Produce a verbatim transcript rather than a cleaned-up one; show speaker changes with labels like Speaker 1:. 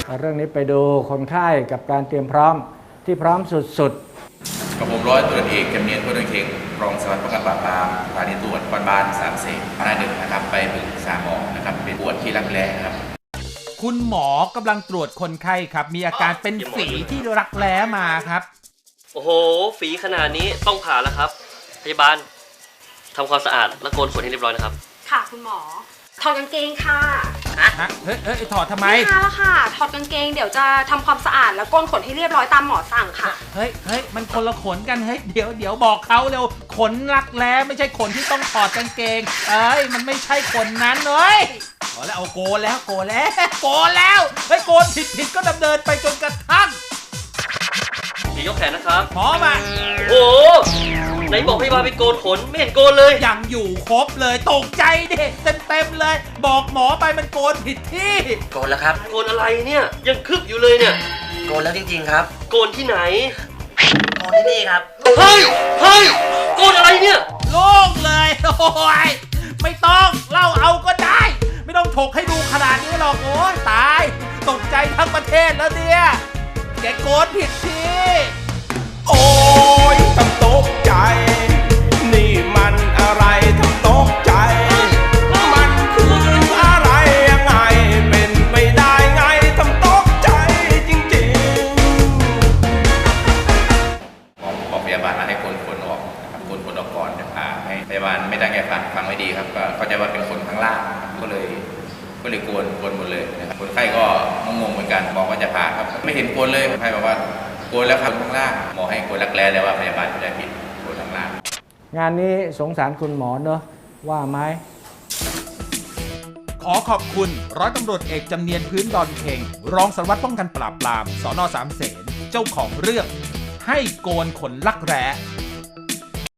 Speaker 1: เรื่องนี้ไปดูคนไข้กับการเตรียมพร้อมที่พร้อมสุดๆ
Speaker 2: กับผมร้อยตำรวจเอกจำเนียนพุทธเข่งรองสารวัตรป้องกันปราบปรามสถานีตำรวจนครบาลสามเสนหน้าหนึ่งนะครับไปปรึกษาหมอนะครับเป็นปวดที่รักแร้ครับ
Speaker 3: คุณหมอกำลังตรวจคนไข้ครับมีอาการเป็นฝีที่รักแร้มาครับ
Speaker 4: โอ้โหฝีขนาดนี้ต้องผ่าแล้วครับพยาบาลทำความสะอาดและโกนขนให้เรียบร้อยนะครับ
Speaker 5: ค่ะคุณหมอถอดกางเกงค่ะ
Speaker 3: ฮะเฮ้ยเฮ้ยถอดทำไม
Speaker 5: ค่ะแล้วค่ะถอดกางเกงเดี๋ยวจะทำความสะอาดแล้วโกนขนให้เรียบร้อยตามหมอสั่งค่ะ
Speaker 3: เฮ้ยเฮ้ยมันคนละขนกันเฮ้ยเดี๋ยวเดี๋ยวบอกเขาเร็วขนรักแร้ไม่ใช่ขนที่ต้องถอดกางเกงเอ้ยมันไม่ใช่ขนนั้นเลยเอาแล้วเอาโกนแล้วโกนแล้วโกนแล้วเฮ้ยโกนผิดผิดก็ดำเนินไปจนกระทั่ง
Speaker 4: พี่ยกแขนนะครับ
Speaker 3: หมอมา
Speaker 4: โอ้ไหนบอกพยาบาลไปโกนขนไม่เห็นโกนเลย
Speaker 3: ยังอยู่ครบเลยตกใจดิเต็มเต็มเลยบอกหมอไปมันโกนผิดที่
Speaker 6: โกนแล้วครับ
Speaker 4: โกนอะไรเนี่ยยังคึบอยู่เลยเนี่ย
Speaker 6: โกนแล้วจริงๆครับ
Speaker 4: โกนที่ไหน
Speaker 6: โกนที่นี่ครับ
Speaker 4: เฮ้ยเฮ้ยโกนอะไรเนี่ย
Speaker 3: โล่งเลยโอ้ยไม่ต้องเล่าเอาก็ได้ไม่ต้องถกให้ดูขนาดนี้หรอกโอ้ยตายตกใจทั้งประเทศแล้วเนี่ยแกโกนผิดที่
Speaker 7: โอ้ยทำตกใจนี่มันอะไรทำตกใจมันคืออะไรยังไงเป็นไม่ได้ไงทำตกใจจริง
Speaker 2: ๆบอกพยาบาลให้คนคนออกนะครับคนคนออกก่อนจะพาให้พยาบาลไม่ตั้งใจฟังฟังไม่ดีครับก็เข้าใจว่าเป็นคนข้างล่างก็เลยก็เลยโกนโกนหมดเลยนะครับคนไข้ก็งงเหมือนกันบอกว่าจะผ่าครับไม่เห็นโกนเลยคนไข้บอกว่าโกนแล้วครับข้างล่างหมอให้โกนรักแร้แต่ว่าพยาบาลไม่ได้ผิดโกนข้างล่าง
Speaker 1: งานนี้สงสารคุณหมอเนอะว่าไหม
Speaker 3: ขอขอบคุณร้อยตำรวจเอกจำเนียนพื้นดอนเข่งรองสารวัตรป้องกันปราบปรามสน.สามเสนเจ้าของเรื่องให้โกนขนรักแร้